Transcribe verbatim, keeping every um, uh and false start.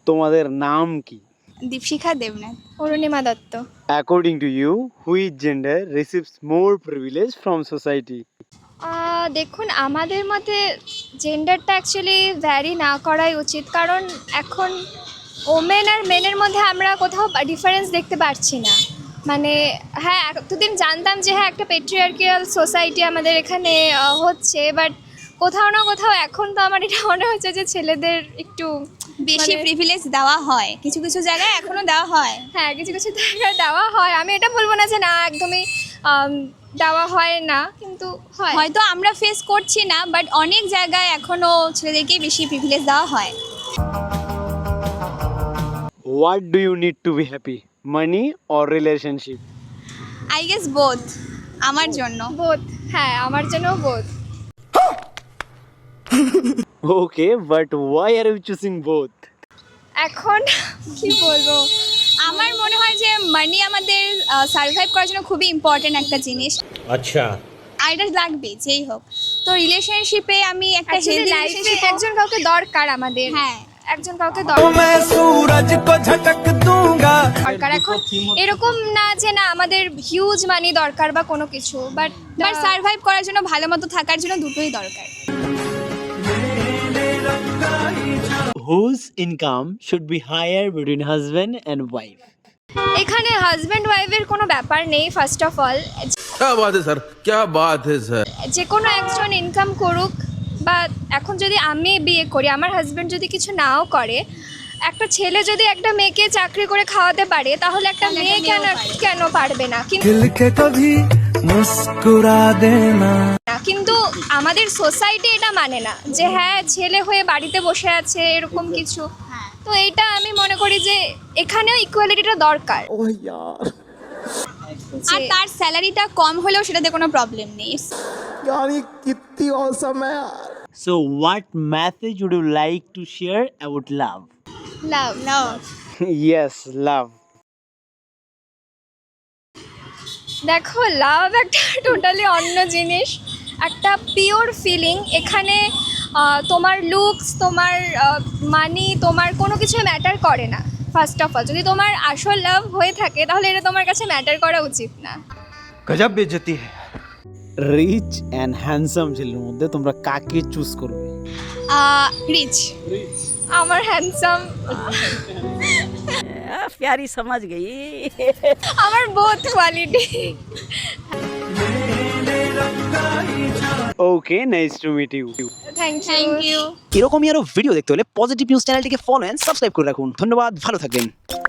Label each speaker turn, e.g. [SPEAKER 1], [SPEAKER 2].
[SPEAKER 1] তোমাদের নাম কি?
[SPEAKER 2] দীপশিখা Debnath.
[SPEAKER 3] Arunima Dutta.
[SPEAKER 1] According to you, which gender receives more privilege from society?
[SPEAKER 3] আহ, দেখুন আমাদের মতে জেন্ডারটা অ্যাকচুয়ালি ভ্যারি না করাই উচিত, কারণ এখন ওমেন আর মেনের মধ্যে আমরা কোথাও ডিফারেন্স দেখতে পারছি না। মানে হ্যাঁ, এতদিন জানতাম যে হ্যাঁ একটা পেট্রিয়ার্কিয়াল সোসাইটি আমাদের এখানে আহ, হচ্ছে, বাট কোথাও না কোথাও এখন তো আমার এটা মনে হচ্ছে যে ছেলেদের একটু
[SPEAKER 2] বেশি
[SPEAKER 3] মানে-
[SPEAKER 2] প্রিভিলেজ দেওয়া হয়, কিছু কিছু জায়গায় এখনো দেওয়া হয়।
[SPEAKER 3] হ্যাঁ কিছু কিছু জায়গায় দেওয়া হয়। আমি এটা বলবো না যে না একদমই আম, দেওয়া হয় না, কিন্তু হয়।
[SPEAKER 2] হয়তো আমরা ফেস করছি না, বাট অনেক জায়গায় এখনো ছেলেদেরকেই বেশি প্রিভিলেজ দেওয়া হয়।
[SPEAKER 1] What do you need to be happy? Money or relationship?
[SPEAKER 2] I guess both আমার জন্য।
[SPEAKER 3] বোধ, হ্যাঁ আমার জন্য বোধ।
[SPEAKER 1] Okay, but why are you choosing both?
[SPEAKER 3] এখন কি বলবো,
[SPEAKER 2] আমার মনে হয় যে মানি আমাদের সার্ভাইভ করার জন্য খুবই ইম্পর্টেন্ট একটা জিনিস।
[SPEAKER 4] अच्छा
[SPEAKER 2] আর এটা লাগবে যেই হোক। তো রিলেশনশিপে আমি একটা
[SPEAKER 3] Actually
[SPEAKER 2] হেলদি
[SPEAKER 3] life এ
[SPEAKER 2] রিলেশনশিপ
[SPEAKER 3] একজন কাউকে দরকার আমাদের,
[SPEAKER 2] হ্যাঁ
[SPEAKER 3] একজন কাউকে দরকার।
[SPEAKER 5] सूरज को झटक दूंगा।
[SPEAKER 3] দরকার এখন এরকম না যে না আমাদের হিউজ মানি দরকার বা কোনো কিছু, বাট
[SPEAKER 2] বাট সার্ভাইভ করার জন্য ভালো মতো থাকার জন্য দুটোই দরকার।
[SPEAKER 1] Whose income should be higher between husband and wife?
[SPEAKER 3] এখানে হাজব্যান্ড ওয়াইফের কোনো ব্যাপার নেই। ফার্স্ট অফ অল
[SPEAKER 5] क्या बात है सर, क्या बात है सर।
[SPEAKER 3] যে কোনো একজন ইনকাম করুক, বা এখন যদি আমি বিয়ে করি আমার হাজব্যান্ড যদি কিছু নাও করে, একটা ছেলে যদি একটা মেয়েকে চাকরি করে খাওয়াতে পারে, তাহলে একটা
[SPEAKER 2] তাহলে
[SPEAKER 3] মেয়ে
[SPEAKER 2] একটা
[SPEAKER 3] কেন
[SPEAKER 2] মেয়েও পারে।
[SPEAKER 3] কেন পারবে না? কিন্তু
[SPEAKER 5] दिल के कभी मुस्कुरा देना।
[SPEAKER 3] কিন্তু আমাদের সোসাইটি এটা মানে না যে হ্যাঁ ছেলে হয়ে বাড়িতে বসে আছে এরকম কিছু।
[SPEAKER 2] হ্যাঁ।
[SPEAKER 3] তো এইটা আমি মনে করি যে এখানেও ইকুয়ালিটিটা দরকার।
[SPEAKER 5] ओह यार,
[SPEAKER 2] আর
[SPEAKER 3] যে-
[SPEAKER 2] তার স্যালারিটা কম হলেও সেটাতে কোনো প্রবলেম নেই।
[SPEAKER 5] यार ये कितनी औसम है यार।
[SPEAKER 1] So, what message would you like to share about love?
[SPEAKER 3] Love
[SPEAKER 2] love
[SPEAKER 1] Yes, love.
[SPEAKER 3] দেখো লাভ একটা টোটালি অন্য জিনিস, একটা পিওর ফিলিং। এখানে আহ, তোমার লুকস, তোমার মানি, তোমার কোনো কিছু ম্যাটার করে না। ফার্স্ট অফ অল যদি তোমার আসল লাভ হয়ে থাকে তাহলে এটা তোমার কাছে ম্যাটার করা উচিত না।
[SPEAKER 5] गजब बेइज्जती है।
[SPEAKER 1] রিচ অ্যান্ড হ্যান্ডসাম ছেলের মধ্যে তোমরা কাকে চুজ করবে?
[SPEAKER 2] রিচ।
[SPEAKER 3] আমার হ্যান্ডসাম,
[SPEAKER 6] प्यारी समझ गई।
[SPEAKER 3] আমার both quality.
[SPEAKER 1] Okay, nice to meet you.
[SPEAKER 3] Thank
[SPEAKER 2] thank
[SPEAKER 3] you.
[SPEAKER 2] You.
[SPEAKER 7] এরকমই আরো ভিডিও দেখতে হলে পজিটিভ নিউজ চ্যানেলটিকে ফলো এন্ড সাবস্ক্রাইব করে রাখুন। ধন্যবাদ, ভালো থাকবেন।